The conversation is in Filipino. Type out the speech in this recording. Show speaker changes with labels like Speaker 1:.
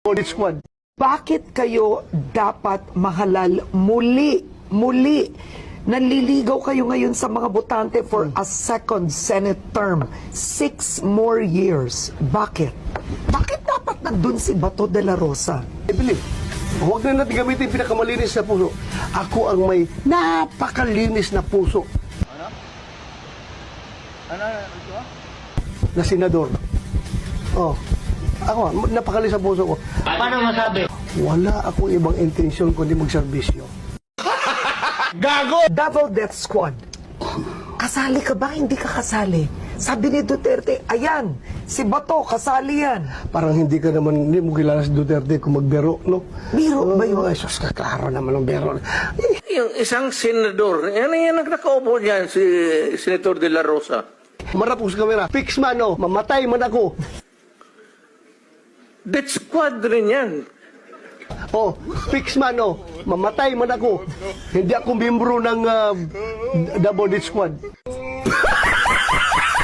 Speaker 1: Audit Squad.
Speaker 2: Bakit kayo dapat mahalal muli? Muli. Nanliligaw kayo ngayon sa mga botante for a second Senate term. 6 more years. Bakit? Bakit dapat nandun si Bato de la Rosa?
Speaker 1: I believe, huwag na natin gamitin pinakamalinis na puso. Ako ang may napakalinis na puso. Na senador. Oh, ako, napakalinis na puso ko.
Speaker 3: Paano masabi?
Speaker 1: Wala akong ibang intensyon kundi magserbisyo.
Speaker 2: Davao Death Squad. Kasali ka ba? Hindi ka kasali. Sabi ni Duterte, ayan, si Bato, kasali yan.
Speaker 1: Parang hindi mo kilala si Duterte kung magbero, no?
Speaker 2: Biro ba yun?
Speaker 1: Ay, sus, kaklaro naman ang bero.
Speaker 4: Yung isang senador, yan ang nakaupo dyan, si Senator De La Rosa.
Speaker 1: Marapos kamera. Fix man, no? Mamatay man ako.
Speaker 4: Death squad rin yan.
Speaker 1: Oh, fix man, no? Mamatay man ako. Hindi ako membro ng Double Death Squad.